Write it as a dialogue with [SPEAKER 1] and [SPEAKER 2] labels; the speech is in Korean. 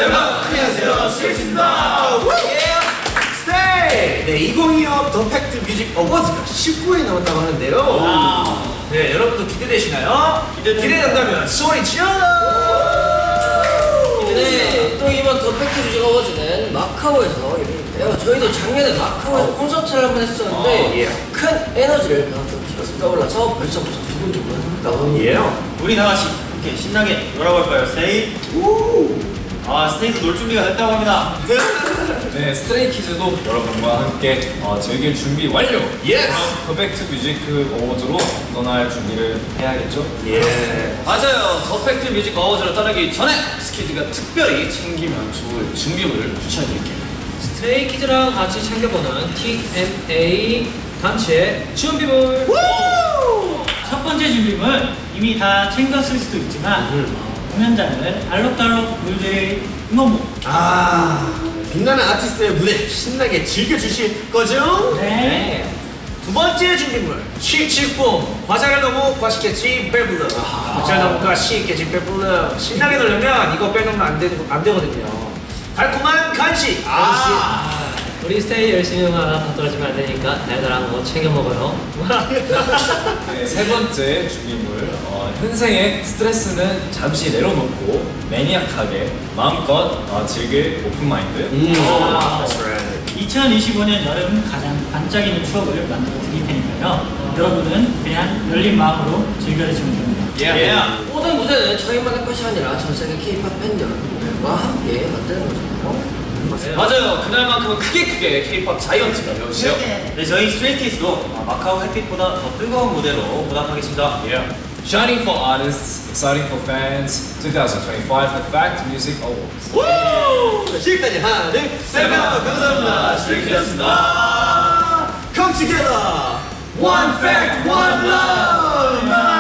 [SPEAKER 1] 여러분 안녕하세요, 스테이입니다. 스테이! 네, 2025 더 팩트 뮤직 어워즈가 19회 남았다고 하는데요. 네, 여러분도 기대되시나요? 기대된다면 소리 질러!
[SPEAKER 2] 네, 또 이번 더 팩트 뮤직 어워즈는 마카오에서 열리는데요. 저희도 작년에 마카오에서 콘서트를 한번 했었는데 큰 에너지를 그만큼 떠올라서 벌써부터 두근두근.
[SPEAKER 3] 우리 다 같이 이렇게 신나게 놀아볼까요? 스테이? 스테이도 놀 준비가 됐다고 합니다.
[SPEAKER 4] 네, 스트레이키즈도 여러분과 함께 즐길 준비 완료! 더 팩트 뮤직 어워즈로 떠날 준비를 해야겠죠?
[SPEAKER 5] 맞아요. 더 팩트 뮤직 어워즈로 떠나기 전에 스키즈가 특별히 챙기면 좋을 준비물을 추천해드릴게요.
[SPEAKER 6] 스트레이키즈랑 같이 챙겨보는 TNA 단체 준비물.
[SPEAKER 7] 첫 번째 준비물 이미 다 챙겼을 수도 있지만 공연장을 알록달록 물들일 응원봉.
[SPEAKER 1] 빛나는 아티스트의 무대 신나게 즐겨주실 거죠?
[SPEAKER 7] 네.
[SPEAKER 1] 두 번째 준비물 칙칙붐. 과자를 너무 맛있겠지 배불러. 과자를 너무 맛있겠지 배불러. 신나게 놀려면 이거 빼놓으면 안 되거든요. 달콤한 간식.
[SPEAKER 6] 우리 스테이 열심히 하나 다 떨어지면 안 되니까 달달한 거 챙겨 먹어요.
[SPEAKER 4] 네, 세 번째 준비물 현생의 스트레스는 잠시 내려놓고 매니악하게 마음껏 즐길 오픈마인드.
[SPEAKER 7] 2025년 여름 가장 반짝이는 추억을 만들어 드릴 테니까요. 여러분은 그냥 열린 마음으로 즐겨주시면 됩니다.
[SPEAKER 2] 모든 무대는 저희만의 것이 아니라 전 세계 K-pop 팬 여러분들과 함께 만드는 거잖아요.
[SPEAKER 5] 맞아요. 그날만큼은 크게 K-pop 자이언트가 되어주세요.
[SPEAKER 3] 네, 저희 스트레이키즈도 마카오 햇빛보다 더 뜨거운 무대로 보답하겠습니다.
[SPEAKER 4] Shining for artists, exciting for fans. 2025 The Fact Music Awards.
[SPEAKER 1] 지금까지 하나 둘셋 감사합니다. 스트레이키즈였습니다. Come together, one fact, one love.